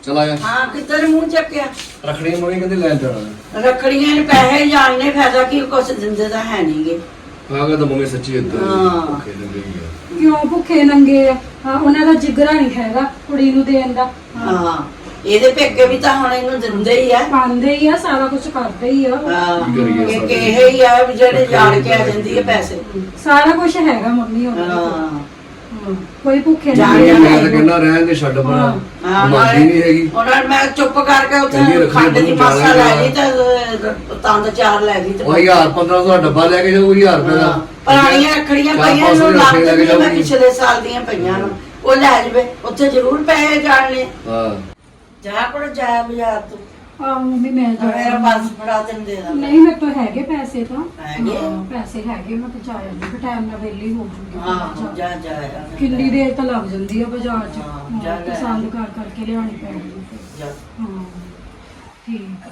चल आया हाँ किधर मुंह चक्या रखड़ी मम्मी कहते लैन जाना रखड़ियां ने पैसे जानने फायदा की कुछ दिंदे तो है नहीं गे आगे तो मम्मी सच्ची इतना हाँ। भुखे लगे ही है ਕਿਉਂ ਭੁੱਖੇ ਨੰਗੇ ਆ ਹਾਂ, ਉਹਨਾਂ ਦਾ ਜਿਗਰਾ ਨਹੀਂ ਹੈਗਾ ਕੁੜੀ ਨੂੰ ਦੇਣ ਦਾ ਹਾਂ ਇਹਦੇ ਪੇਕੇ ਵੀ ਤਾਂ ਹੁਣ ਇਹਨੂੰ ਦਿੰਦੇ ਹੀ ਆ ਪਾਉਂਦੇ ਹੀ ਆ ਸਾਰਾ ਕੁਝ ਕਰਦੇ ਹੀ ਆ ਹਾਂ ਕੀ ਕਰੀਏ ਇਹ ਕਿਹੇ ਹੀ ਆ ਵੀ ਜਿਹੜੇ ਜਾਣ ਕੇ ਆ ਜਾਂਦੀ ਹੈ ਪੈਸੇ ਸਾਰਾ ਕੁਝ ਹੈਗਾ ਮੰਮੀ ਉਹਨਾਂ ਕੋਲ। ਹਾਂ ਹਾਂ, ਕੋਈ ਭੁੱਖੇ ਜਾਣ ਨਹੀਂ ਕੇ मैं तो कहना रहन दे छड़ बना ਹਾਂ माफी नहीं हैगी ਉਹਨਾਂ ਨੇ ਮੈਂ ਚੁੱਪ ਕਰਕੇ ਕਹਿੰਦੀ ਉੱਥੇ ਰੱਖੜੀ ਖੰਡ ਦੀ ਬੰਨ੍ਹ ਮਾਸਾ ਲੈ ਜਾਣਾ ਗਈ ਤੇ ਤੰਦ ਚਾਰ ਲੈ ਗਈ ਤੇ ਉਹ 1000-1500 ਦਾ ਡੱਬਾ ਲੈ ਕੇ ਜਾਊ 1000 ਰੁਪਏ ਦਾ ਪੁਰਾਣੀਆਂ ਰੱਖੜੀਆਂ ਚਾਰ ਪਈਆਂ ਪੰਜ ਸੌ ਨੂੰ ਦੀ ਲੱਗ ਰੱਖੜੀ ਲੈ ਕੇ ਜਾਂਦੀਆਂ ਮੈਂ ਜਾਊਗੀ। ਪਿਛਲੇ ਸਾਲ ਦੀਆਂ ਪਈਆਂ ਨੂੰ ਉਹ ਲੈ ਜਵੇ ਉੱਥੇ ਜ਼ਰੂਰ ਪੈਸੇ ਜਾਣਨੇ हां ਜਾ ਕੋਲ ਜਾ ਬਾਜ਼ਾਰ ਤੂੰ ਆ ਮੰਮੀ ਮੈਂ ਮੇਰਾ ਪਰਸ ਫੜਾ ਤੈਨੂੰ ਦੇ ਦਾਂ ਨਹੀਂ ਮੇਰੇ ਤੋਂ ਹੈਗੇ ਪੈਸੇ ਤਾਂ ਹੈਗੇ? ਹਾਂ, ਪੈਸੇ ਹੈਗੇ ਮੈਂ ਤਾਂ ਜਾਇਆ ਜੀ ਟਾਈਮ ਨਾਲ ਵਿਹਲੀ ਹੋ ਜੂਗੀ ਹਾਂ ਜਾ ਜਾ ਯਾਰ। ਕਿੰਨੀ ਦੇਰ ਤਾਂ ਲੱਗ ਜਾਂਦੀ ਆ ਬਾਜ਼ਾਰ 'ਚ ਹਾਂ, ਹਾਂ, ਜਾ ਲੈ। ਪਸੰਦ ਕਰ ਕਰਕੇ ਲਿਆਉਣੀ ਪੈਂਦੀ ਆ ਫਿਰ। ਜਾ ਹਾਂ ਠੀਕ ਆ।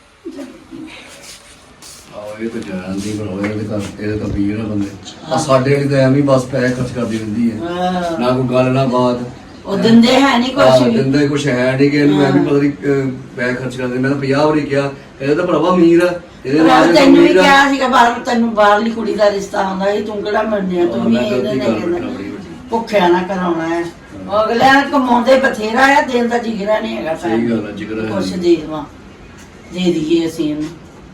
ਆਹ ਇਹ ਤਾਂ ਜਾਣ ਦੀ ਬਣਾਵੇ ਇਹਦੇ ਤਾਂ ਪੀਰ ਨਾ ਬੰਦੇ ਆ ਸਾਡੇ ਵਾਲੀ ਤਾਂ ਐਵੇਂ ਹੀ ਬਸ ਪੈਸੇ ਖਰਚ ਕਰਦੀ ਰਹਿੰਦੀ ਹੈ ਹਾਂ। ਨਾ ਕੋਈ ਗੱਲ ਨਾ ਬਾਤ ਉਹ ਦਿੰਦੇ ਹੈ ਨਹੀਂ ਕੁਛ ਵੀ ਦਿੰਦਾ ਕੁਛ ਹੈ ਨਹੀਂ ਕਿ ਇਹਨੂੰ ਮੈਂ ਵੀ ਪਤਾ ਨਹੀਂ ਪੈਸੇ ਖਰਚ ਕਰਦੇ ਮੈਂ ਤਾਂ 50 ਵਾਰੀ ਕਿਹਾ ਇਹਦਾ ਤਾਂ ਭਰਾਵਾ ਅਮੀਰ ਆ ਇਹਦੇ ਮੈਂ ਨਾਲ ਤੈਨੂੰ ਵੀ ਕਿਹਾ ਸੀਗਾ ਬਾਹਰ ਤੈਨੂੰ ਬਾਹਰਲੀ ਕੁੜੀ ਦਾ ਰਿਸ਼ਤਾ ਹੁੰਦਾ ਸੀ ਤੂੰ ਕਿਹੜਾ ਮੰਨਿਆ ਤੂੰ ਵੀ ਇਹਦੇ ਨੇ ਭੁੱਖਿਆ ਨਾ ਕਰਾਉਣਾ ਹੈ ਅਗਲਿਆਂ ਨੇ ਕਮਾਉਂਦੇ ਬਥੇਰਾ ਆ ਦਿਲ ਦਾ ਜਿਗਰਾ ਨਹੀਂ ਹੈਗਾ ਸਹੀ ਗੱਲ ਆ ਜਿਗਰਾ ਕੁਛ ਦੇ ਦੇਵਾਂ ਦੇ ਦਈਏ ਅਸੀਂ ਇਹਨੂੰ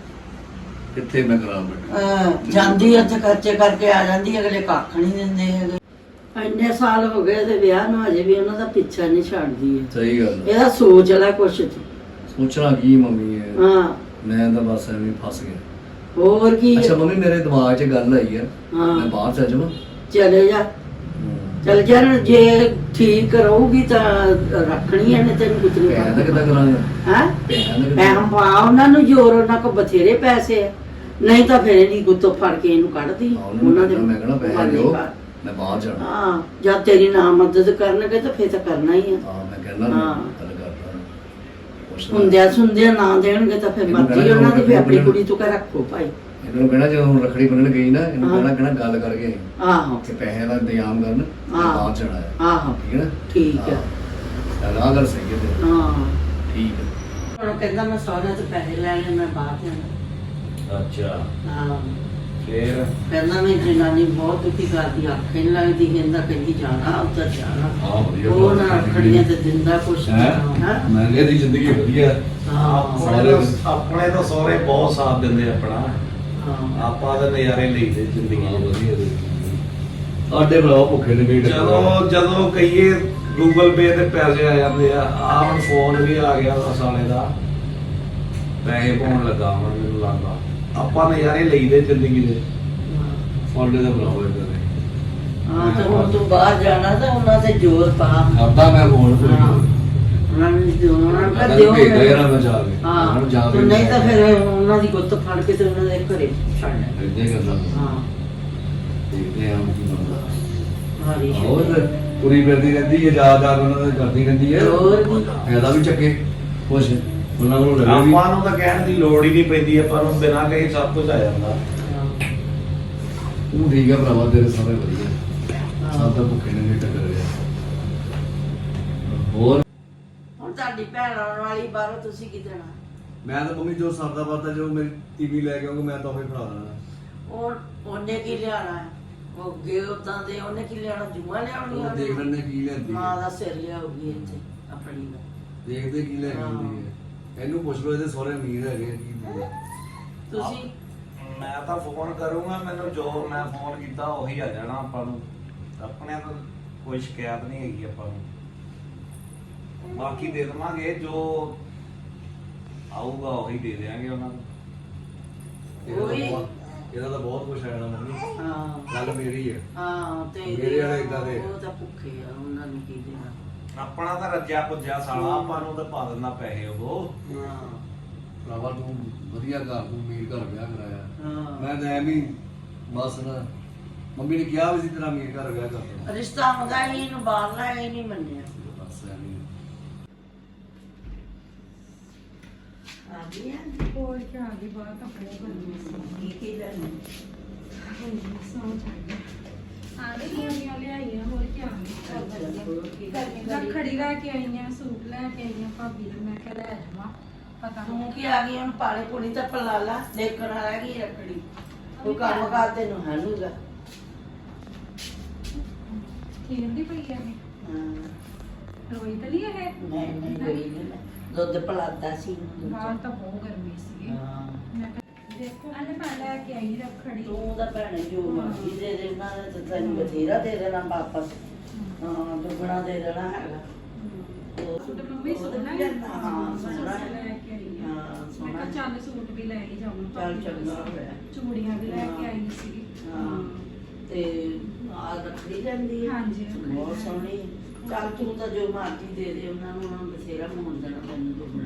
ਕਿੱਥੇ ਮੈਂ ਕਰਾਂ ਬੈਠਾ ਜਾਂਦੀ ਉੱਥੇ ਖਰਚੇ ਕਰਕੇ ਆ ਜਾਂਦੀ ਅਗਲੇ ਕੱਖ ਨਹੀਂ ਦਿੰਦੇ ਹੈਗੇ ਇੰਨੇ ਸਾਲ ਹੋ ਗਏ ਤੇ ਵਿਆਹ ਨੂੰ ਅਜੇ ਵੀ ਉਹਨਾਂ ਦਾ ਪਿੱਛਾ ਨਹੀਂ ਛੱਡਦੀ ਹੈ ਸਹੀ ਗੱਲ ਆ। ਇਹਦਾ ਸੋਚ ਲੈ ਕੁਛ ਤੂੰ ਸੋਚਣਾ ਕੀ ਮੰਮੀ ਹੈ ਹਾਂ ਮੈਂ ਤਾਂ ਬਸ ਐਵੇਂ ਹੀ ਫਸ ਗਿਆ ਹੋਰ ਕੀ ਅੱਛਾ ਮੰਮੀ ਮੇਰੇ ਦਿਮਾਗ 'ਚ ਗੱਲ ਆਈ ਆ ਹਾਂ। ਮੈਂ ਬਾਹਰ ਚੱਲ ਜਾਵਾਂ ਚਲੇ ਜਾ ਚਲ ਜਾ ਜੇ ਠੀਕ ਰਹੂਗੀ ਤਾਂ ਰੱਖਣੀ ਹੈ ਨਹੀਂ ਤੈਨੂੰ ਕੁਝ ਨਹੀਂ ਪੈਸੇ ਦਾ ਕਿੱਦਾਂ ਕਰਾਂਗਾ ਹੈ ਪੈਸਿਆਂ ਦਾ ਮੈਂ ਕਿੱਦਾਂ ਪਾ ਉਹਨਾਂ ਨੂੰ ਜੋਰ ਉਹਨਾਂ ਕੋ ਬਥੇਰੇ ਪੈਸੇ ਆ ਨਹੀਂ ਤਾਂ ਫਿਰ ਇਹਦੀ ਗੁੱਤੋਂ ਫੜ ਕੇ ਇਹਨੂੰ ਕੱਢਦੀ ਉਹਨਾਂ ਦੇ ਮੈਂ ਕਹਣਾ ਪੈਸੇ ਮਰਜ਼ੀ ਦਿਓ ਬਾਹਰ। ਮੈਂ ਬਾਹਰ ਜਾਣਾ ਹਾਂ ਜਦ ਤੇਰੀ ਨਾ ਮਦਦ ਕਰਨਗੇ ਤਾਂ ਫਿਰ ਤਾਂ ਕਰਨਾ ਹੀ ਆ ਹਾਂ ਮੈਂ ਕਹਿੰਦਾ ਹਾਂ। ਗੱਲ ਕਰਦਾ ਪੁੱਛਦਾ ਹੁੰਦਿਆਂ ਸੁੰਦਿਆਂ ਨਾ ਦੇਣਗੇ ਤਾਂ ਫਿਰ ਇਹਨੂੰ ਮਰਜ਼ੀ ਕਹਿਣਾ ਉਹਨਾਂ ਦੀ ਫਿਰ ਆਪਣੀ ਇਹਨੂੰ ਕੁੜੀ ਤੋਂ ਕਰ ਰੱਖੋ ਭਾਈ ਇਹਨੂੰ ਕਹਿਣਾ ਜਦੋਂ ਹੁਣ ਰੱਖੜੀ ਬੰਨਣ ਗਈ ਨਾ ਇਹਨੂੰ ਹਾਂ। ਕਹਿਣਾ ਗੱਲ ਕਰਕੇ ਆਹੋ ਕਿ ਪੈਸੇ ਦਾ ਇੰਤਜ਼ਾਮ ਕਰਨ ਮੈਂ ਹਾਂ। ਬਾਹਰ ਜਾਣਾ ਹੈ ਆਹੋ ਠੀਕ ਹੈ ਨਾ ਠੀਕ ਹੈ ਚੱਲ ਆਹ ਗੱਲ ਸਹੀ ਹੈ ਤੇਰੀ। ਹਾਂ ਠੀਕ ਹੈ ਹੁਣ ਕਹਿੰਦਾ ਮੈਂ ਸਹੁਰੇ ਤੋਂ ਪੈਸੇ ਲੈਣੇ ਮੈਂ ਬਾਹਰ ਜਾਣਾ ਅੱਛਾ ਹਾਂ ਫੇਰ ਕਹਿੰਦਾ ਮੈਂ ਜਨਾਨੀ ਬਹੁਤ ਦੁਖੀ ਕਰਦੀ ਆਖੇ ਨਹੀਂ ਲੱਗਦੀ ਕਹਿੰਦੀ ਜਾਣਾ ਉੱਧਰ ਜਾਣਾ ਹਾਂ ਵਧੀਆ ਉਹ ਨਾ ਰੱਖੜੀਆਂ ਤੇ ਦਿੰਦਾ ਕੁਛ ਹੈ ਹਾਂ ਮਹਿੰਗੇ ਦੀ ਜ਼ਿੰਦਗੀ ਵਧੀਆ ਹਾਂ ਆਪਣੇ ਤਾਂ ਸਹੁਰੇ ਬਹੁਤ ਸਾਥ ਦਿੰਦੇ ਆਪਣਾ ਹਾਂ ਆਪਾਂ ਤਾਂ ਨਜ਼ਾਰੇ ਲਈਦੇ ਜ਼ਿੰਦਗੀ ਦੇ ਵਧੀਆ ਦੀ ਸਾਡੇ ਭਰਾ ਭੁੱਖੇ ਨੇ ਵੇਟ ਜਦੋਂ ਕਹੀਏ ਗੂਗਲ ਪੇ ਤੇ ਪੈਸੇ ਆ ਜਾਂਦੇ ਆ ਆਹ ਹੁਣ ਫੋਨ ਵੀ ਆ ਗਿਆ ਵਾ ਸਾਲੇ ਦਾ ਪੈਸੇ ਪਾਉਣ ਲੱਗਾ ਹੁਣ ਮੈਨੂੰ ਲੱਗਦਾ ਆਪਾਂ ਨਜ਼ਾਰੇ ਲਈਦੇ ਜ਼ਿੰਦਗੀ ਦੇ ਸਾਡੇ ਦਾ ਭਰਾ ਹੋਏ ਤੇ ਹਾਂ ਤੇ ਹੁਣ ਤੂੰ ਬਾਹਰ ਜਾਣਾ ਤਾਂ ਉਹਨਾਂ ਤੇ ਜ਼ੋਰ ਪਾ ਕਰਦਾ ਮੈਂ ਫੋਨ ਕੋਈ ਹਾਂ। ਉਹਨਾਂ ਨੂੰ ਦਿਓ ਮੈਂ ਦਿਓ ਭੇਜਦਾ ਯਾਰ ਮੈਂ ਜਾ ਕੇ ਹਾਂ ਜਾ ਤੇ ਨਹੀਂ ਤਾਂ ਫਿਰ ਉਹਨਾਂ ਦੀ ਗੁੱਤ ਫੜ ਕੇ ਤੇ ਉਹਨਾਂ ਦੇ ਘਰੇ ਛੱਡਣਾ ਇੱਦਾਂ ਹੀ ਕਰਦਾ ਹਾਂ ਦੇਖਦੇ ਹਾਂ ਕੀ ਬਣਦਾ ਹਾਰੀ ਹੋਰ ਪੂਰੀ ਫਿਰਦੀ ਰਹਿੰਦੀ ਹੈ ਯਾਦਾਂ ਉਹਨਾਂ ਦੇ ਕਰਦੀ ਰਹਿੰਦੀ ਹੈ ਹੋਰ ਵੀ ਫਾਇਦਾ ਵੀ ਚੱਕੇ ਕੁਛ ਉਹਨਾਂ ਨੂੰ ਲੱਗੇ ਵੀ ਆਪਾਂ ਨੂੰ ਤਾਂ ਕਹਿਣ ਦੀ ਲੋੜ ਹੀ ਨਹੀਂ ਪੈਂਦੀ ਆਪਾਂ ਨੂੰ ਬਿਨਾਂ ਕਹੇ ਸਭ ਕੁਝ ਆ ਜਾਂਦਾ ਹਾਂ। ਤੂੰ ਠੀਕ ਹੈ ਭਰਾਵਾ ਤੇਰੇ ਸਾਰੇ ਵਧੀਆ ਸਭ ਤਾਂ ਭੁੱਖੇ ਨੇ ਨਹੀਂ ਟੱਕਰ ਰਿਹਾ ਹੋਰ ਹੁਣ ਤੁਹਾਡੀ ਭੈਣ ਆਉਣ ਵਾਲੀ ਬਾਹਰੋਂ ਤੁਸੀਂ ਕੀ ਦੇਣਾ ਮੈਂ ਤਾਂ ਮੰਮੀ ਜੋ ਸਰਦਾ ਵਰਦਾ ਜੋ ਮੇਰੀ ਟੀਵੀ ਲੈ ਕੇ ਆਉਂਗਾ ਮੈਂ ਤਾਂ ਉਹ ਹੀ ਫੜਾ ਦੇਣਾ ਉਹਨੇ ਕੀ ਲਿਆਣਾ ਹੈ ਉਹ ਗਏ ਉਦਾਂ ਦੇ ਉਹਨੇ ਕੀ ਲਿਆਣਾ ਜੂਆ ਲਿਆਉਣੀਆਂ ਉਹ ਦੇਖ ਲੈਣੇ ਕੀ ਲੈਂਦੀ ਮਾਂ ਹੈ ਦਾ ਸਿਰ ਲਿਆਉਗੀ ਇੱਥੇ ਆਪਣੀ ਦਾ ਦੇਖਦੇ ਕੀ ਲੈ ਕੇ ਆਉਂਦੀ ਹੈ ਇਹਨੂੰ ਪੁੱਛ ਲਓ ਇਹਦੇ ਸਹੁਰੇ ਅਮੀਰ ਹੈਗੇ ਆ, ਕੀ ਬੋਲਦਾ ਤੁਸੀਂ ਮੈਂ ਤਾਂ ਫੋਨ ਕਰੂੰਗਾ ਮੈਨੂੰ ਜੋ ਮੈਂ ਫੋਨ ਕੀਤਾ ਉਹੀ ਆ ਜਾਣਾ ਆਪਾਂ ਨੂੰ ਆਪਣੇ ਤਾਂ ਕੋਈ ਸ਼ਿਕਾਇਤ ਨਹੀਂ ਹੈਗੀ ਆਪਾਂ ਨੂੰ ਬਾਕੀ ਦੇ ਦੇਵਾਂਗੇ ਜੋ ਆਊਗਾ ਉਹੀ ਦੇ ਦੇਵਾਂਗੇ ਉਹਨਾਂ ਨੂੰ ਇਹਦਾ ਤਾਂ ਬਹੁਤ ਕੁਛ ਹੈ ਨਾ ਮੰਮੀ ਹਾਂ ਗੱਲ ਮੇਰੀ ਹੈ ਹਾਂ ਤੇ ਮੇਰੇ ਵਾਲੇ ਏਦਾਂ ਦੇ। ਉਹ ਤਾਂ ਭੁੱਖੇ ਆ ਉਹਨਾਂ ਨੂੰ ਕੀ ਦੇਣਾ ਆਪਣਾ ਤਾਂ ਰੱਜਿਆ ਪੁੱਜਿਆ ਸਾਲਾ ਆਪਾਂ ਨੂੰ ਤਾਂ ਪਾ ਦਿੰਦਾ ਪੈਸੇ ਉਹ ਹਾਂ ਭਰਾਵਾ ਤੂੰ ਵਧੀਆ ਘਰ ਤੂੰ ਅਮੀਰ ਘਰ ਵਿਆਹ ਕਰਾਇਆ ਹਾਂ ਮੈਂ ਤਾਂ ਐਵੇਂ ਹੀ ਬਸ ਨਾ ਮੰਮੀ ਨੇ ਕਿਹਾ ਵੀ ਸੀ ਤੇਰਾ ਅਮੀਰ ਘਰ ਵਿਆਹ ਕਰ ਦੇਣਾ ਰਿਸ਼ਤਾ ਹੁੰਦਾ ਹੀ ਇਹਨੂੰ ਬਾਹਰਲਾ ਹੀ ਨਹੀਂ ਮੰਨਿਆ ਬਸ ਐਵੇਂ ਹੀ। ਆ ਗਿਆ ਹੋਰ ਕੀ ਆ ਗਈ ਬਾਹਰ ਕੱਪੜੇ ਬੰਨੇ ਕੀ ਲੈਣਾ ਸੌਂ ਚਾਹੀਦਾ ਆ ਗਈ ਲਿਆਈਆਂ ਹੋਰ ਕੀ ਆ ਗਈ ਰੱਖੜੀ ਲੈ ਕੇ ਆਈਆਂ ਸੂਟ ਲੈ ਕੇ ਆਈ ਆ ਭਾਬੀ ਨੂੰ, ਮੈਂ ਕਿਹਾ ਲੈ ਜਾਵਾਂ ਪਤਾ ਤੂੰ ਨਹੀਂ ਕੀ ਆ ਗਈ ਹੁਣ ਪਾਣੀ ਪੂਣੀ ਤਾਂ ਪਲਾ ਲਾ ਦੇਖਣ ਰਹਿ ਗਈ ਰੱਖੜੀ ਤੂੰ ਕੰਮ ਕਰ ਤੈਨੂੰ ਹਨੂਗਾ ਖੇਡਦੀ ਪਈ ਆ ਇਹ ਰੋਈ ਤਾਂ ਨਹੀਂ ਇਹ ਨਹੀਂ ਨਹੀਂ ਗਈ ਨਹੀਂ ਮੈਂ ਦੁੱਧ ਪਲਾਦਾ ਸੀ ਇਹਨੂੰ ਬਾਹਰ ਤਾਂ ਬਹੁਤ ਗਰਮੀ ਸੀ ਹਾਂ ਮੈਂ ਕਿਹਾ ਦੇਖੋ ਅਨੇ ਮੈਂ ਲੈ ਕੇ ਆਈ ਰੱਖੜੀ ਤੂੰ ਤਾਂ ਭੈਣੇ ਜੋ ਮਰਜ਼ੀ ਦੇ ਦੇ ਉਹਨਾਂ ਨੇ ਤਾਂ ਤੈਨੂੰ ਬਥੇਰਾ ਦੇ ਦੇਣਾ ਵਾਪਸ ਹਾਂ ਦੁੱਗਣਾ ਦੇ ਦੇਣਾ ਹੈਗਾ ਸੂਟ ਮੰਮੀ ਸੋਹਣਾ ਹੈ ਹਾਂ ਸੋਹਣਾ ਹੈ ਲੈ ਕੇ ਆਈ ਆ ਹਾਂ ਮੈਂ ਸੋਹਣਾ ਕਿਹਾ ਚੱਲ ਸੂਟ ਵੀ ਲੈ ਕੇ ਜਾਵਾਂ ਚੱਲ ਚੰਗਾ ਹੋਇਆ ਚੂੜੀਆਂ ਵੀ ਲੈ ਕੇ ਆਈ ਸੀ ਹਾਂ ਤੇ ਆ ਰੱਖੜੀ ਜਾਂਦੀ ਹੈ ਹਾਂਜੀ, ਬਹੁਤ ਸੋਹਣੀ ਹੈ। ਚੱਲ ਤੂੰ ਤਾਂ ਜੋ ਮਰਜ਼ੀ ਦੇ ਦੇ ਉਹਨਾਂ ਨੂੰ ਬਥੇਰਾ ਮੋੜ ਦੇਣਾ ਤੈਨੂੰ ਦੁੱਗਣਾ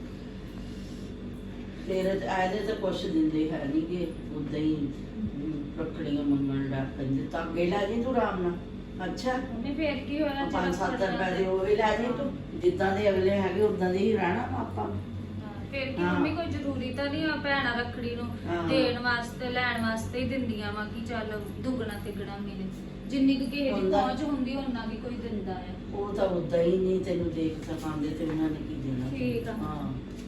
ਤੇਰੇ ਆਦੇ ਤਾਂ ਕੁਛ ਦਿੰਦੇ ਹੈ ਨਹੀਂ ਕਿ ਉਦਾਂ ਹੀ ਰੱਖੜੀਆਂ ਮੰਗਣ ਲੱਗ ਪੈਂਦੇ ਤਾਂ ਅੱਗੇ ਲੈ ਜੀ ਤੂੰ ਆਰਾਮ ਨਾਲ ਅੱਛਾ ਉਹਨੇ ਫੇਰ ਕੀ ਹੋਇਆ 5-7 ਰੁਪਏ ਦੇ ਉਹ ਵੀ ਲੈ ਜੀ ਤੂੰ ਜਿੱਦਾਂ ਦੇ ਅਗਲੇ ਹੈਗੇ ਉਦਾਂ ਦੇ ਹੀ ਰਹਿਣਾ ਆਪਾਂ ਫਿਰ ਕੀ ਹਾਂ। ਮੰਮੀ ਕੋਈ ਜ਼ਰੂਰੀ ਤਾਂ ਨਹੀਂ ਆ ਭੈਣਾਂ ਰੱਖੜੀ ਨੂੰ ਹਾਂ। ਦੇਣ ਵਾਸਤੇ ਲੈਣ ਵਾਸਤੇ ਹੀ ਦਿੰਦੀਆਂ ਵਾ ਕਿ ਚੱਲ ਦੁੱਗਣਾ ਤਿੱਗਣਾ ਮਿਲੇ ਜਿੰਨੀ ਕੁ ਕਿਸੇ ਦੀ ਹੁੰਦਾ। ਪਹੁੰਚ ਹੁੰਦੀ ਉਹਨਾਂ ਦੀ ਕੋਈ ਦਿੰਦਾ ਆ ਉਹ ਤਾਂ ਉਦਾਂ ਹੀ ਨਹੀਂ ਤੈਨੂੰ ਦੇਖ ਸਕਾਂਦੇ ਤੇ ਉਹਨਾਂ ਨੇ ਕੀ ਦੇਣਾ ਠੀਕ ਆ। ਹਾਂ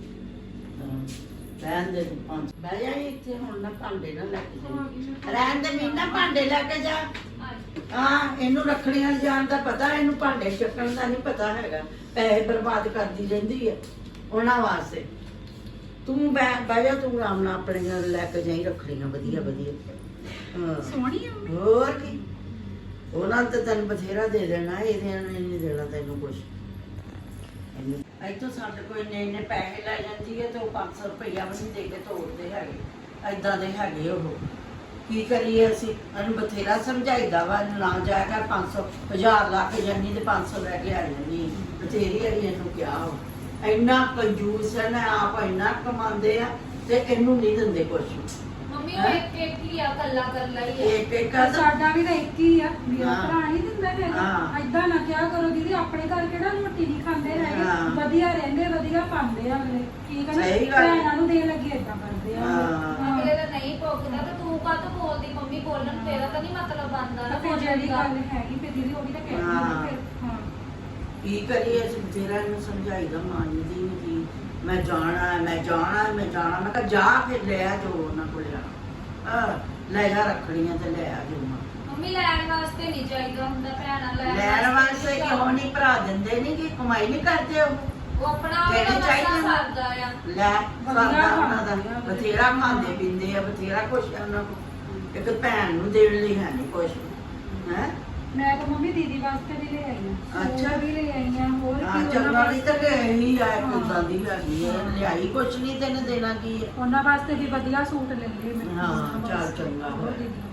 ਰਹਿਣ ਦੇ ਤੂੰ ਪੰਜ ਬਹਿ ਜਾ ਇੱਥੇ ਹੁਣ ਨਾ ਭਾਂਡੇ ਨਾ ਲੈ ਕੇ ਜਾ ਰਹਿਣ ਦੇ ਮੀਨਾ ਭਾਂਡੇ ਲੈ ਕੇ ਜਾ ਹਾਂ ਇਹਨੂੰ ਰੱਖੜੀਆਂ ਜਾਣ ਦਾ ਪਤਾ ਇਹਨੂੰ ਭਾਂਡੇ ਚੱਕਣ ਦਾ ਨਹੀਂ ਪਤਾ ਹੈਗਾ ਪੈਸੇ ਬਰਬਾਦ ਕਰਦੀ ਰਹਿੰਦੀ ਹੈ ਉਹਨਾਂ ਵਾਸਤੇ ਤੂੰ ਬਹਿ ਜਾ ਤੂੰ ਆਰਾਮ ਨਾਲ ਆਪਣੇ ਨਾਲ ਲੈ ਕੇ ਜਾਈ ਰੱਖੜੀਆਂ ਵਧੀਆ ਵਧੀਆ ਹਾਂ ਸੋਹਣੀ ਆ ਮੰਮੀ ਹੋਰ ਕੀ ਉਹਨਾਂ ਨੇ ਤਾਂ ਤੈਨੂੰ ਬਥੇਰਾ ਦੇ ਦੇਣਾ ਇਹਦੇ ਨੇ ਨਹੀਂ ਦੇਣਾ ਤੈਨੂੰ ਕੁਛ ਇੱਥੋਂ ਸਾਡੇ ਕੋਈ ਇੰਨੇ ਪੈਸੇ ਲੈ ਜਾਂਦੀ ਹੈ ਤੇ ਉਹ 500 ਰੁਪਈਆ ਵੀ ਨਹੀਂ ਦੇ ਕੇ ਤੋੜਦੇ ਹੈਗੇ ਐਦਾਂ ਦੇ ਹੈਗੇ ਉਹ ਕੀ ਕਰੀਏ ਅਸੀਂ ਇਹਨੂੰ ਬਥੇਰਾ ਸਮਝਾਈਦਾ ਵਾ ਇਹਨੂੰ ਨਾ ਜਾਇਆ ਕਰ 500 1000 ਲਾ ਕੇ ਜਾਨੀ ਤੇ 500 ਲੈ ਕੇ ਆ ਜਾਨੀ ਬਥੇਰੀ ਅੜੀ ਇਹਨੂੰ ਕਿਹਾ ਵਾ। ਇੰਨਾ ਕੰਜੂਸ ਹੈ ਨਾ ਆਪ ਇੰਨਾ ਕਮਾਉਂਦੇ ਆ ਤੇ ਇਹਨੂੰ ਨਹੀਂ ਦਿੰਦੇ ਕੁਛ ਮੰਮੀ ਉਹ ਇੱਕ ਇੱਕ ਹੀ ਆ ਕੱਲਾ ਕੱਲਾ ਹੀ ਆ ਇੱਕ ਇੱਕ ਆ ਤਾਂ ਸਾਡਾ ਵੀ ਤਾਂ ਇੱਕ ਹੀ ਆ ਮੇਰਾ ਹਾਂ। ਭਰਾ ਨਹੀਂ ਦਿੰਦਾ ਹੈਗਾ ਹਾਂ। ਐਦਾਂ ਨਾ ਕਿਹਾ ਕਰੋ ਦੀਦੀ ਆਪਣੇ ਘਰ ਕਿਹੜਾ ਰੋਟੀ ਨਹੀਂ ਖਾਂਦੇ ਹੈਗੇ ਹਾਂ। ਵਧੀਆ ਰਹਿੰਦੇ ਵਧੀਆ ਪਾਉਂਦੇ ਆ ਅਗਲੇ ਕੀ ਕਹਿੰਦੇ ਸਹੀ ਗੱਲ ਹੈ। ਭੈਣਾਂ ਨੂੰ ਦੇਣ ਲੱਗੀ ਏਦਾਂ ਕਰਦੇ ਆ ਹਾਂ। ਅਗਲੇ ਦਾ ਨਹੀਂ ਭੁਗਦਾ ਤੇ ਤੂੰ ਕਾਹਤੋਂ ਬੋਲਦੀ ਮੰਮੀ ਬੋਲਣ ਤੇਰਾ ਤਾਂ ਨਹੀਂ ਮਤਲਬ ਬਣਦਾ ਨਾ ਫਿਰ ਬੋਲਣ ਜਿਹੜੀ ਦਾ ਗੱਲ ਹੈਗੀ ਫਿਰ ਦੀਦੀ ਉਹ ਵੀ ਤਾਂ ਕਹਿ ਹਾਂ। ਫਿਰ ਹਾਂ ਕੀ ਕਰੀਏ ਅਸੀਂ ਬਥੇਰਾ ਇਹਨੂੰ ਸਮਝਾਈਦਾ ਮੰਨਦੀ ਨਹੀਂ ਕੀ ਮੈਂ ਜਾਣਾ ਹੈ, ਮੈਂ ਜਾਣਾ ਹੈ, ਮੈਂ ਜਾਣਾ ਮੈਂ ਕਿਹਾ ਜਾ ਫਿਰ ਲੈ ਆ ਜੋ ਉਹਨਾਂ ਕੋਲ ਜਾਣਾ ਲੈ ਜਾ ਰੱਖੜੀਆਂ ਤੇ ਲੈ ਆ ਜੋ ਮੰਮੀ ਲੈਣ ਵਾਸਤੇ ਨਹੀਂ ਚਾਹੀਦਾ ਹੁੰਦਾ ਭੈਣਾਂ ਲੈਣ ਵਾਸਤੇ ਕਿਉਂ ਨਹੀਂ ਭਰਾ ਦਿੰਦੇ ਨਹੀਂ ਕਿ ਕਮਾਈ ਨਹੀਂ ਕਰਦੇ ਉਹ ਉਹ ਆਪਣਾ ਕਿਹੜੀ ਉਹਦਾ ਚਾਹੀਦੀ ਮਸਾ ਆ? ਸਰਦਾ ਆ ਲੈ ਵਧੀਆ ਕਰਦਾ ਉਹਨਾਂ ਦਾ ਖਾਂਦੇ ਆ। ਬਥੇਰਾ ਖਾਂਦੇ ਪੀਂਦੇ ਆ ਬਥੇਰਾ ਕੁਛ ਆ ਉਹਨਾਂ ਕੋਲ ਇੱਕ ਭੈਣ ਨੂੰ ਦੇਣ ਲਈ ਹੈ ਨਹੀਂ ਕੁਛ ਹੈ ਮੈਂ ਤਾਂ ਮੰਮੀ ਦੀਦੀ ਵਾਸਤੇ ਵੀ ਲੈ ਆਈ ਆ ਅੱਛਾ। ਸੂਟ ਵੀ ਲੈ ਆਈ ਆ ਹੋਰ ਕੀ ਹਾਂ ਉਹਨਾਂ ਚੰਗਾ ਨਹੀਂ ਤਾਂ ਇਹੀ ਆ ਹਾਂ। ਕੁੱਦਾਂ ਦੀ ਹੈਗੀ ਹੈ ਲਿਆਈ ਕੁਛ ਨਹੀਂ ਤੈਨੂੰ ਦੇਣਾ ਕੀ ਹੈ ਉਹਨਾਂ ਵਾਸਤੇ ਵੀ ਵਧੀਆ ਸੂਟ ਲੈ ਲਏ ਮੈਂ ਹਾਂ, ਚੱਲ ਚੰਗਾ ਹੋਰ ਹੋਇਆ। ਦੀਦੀ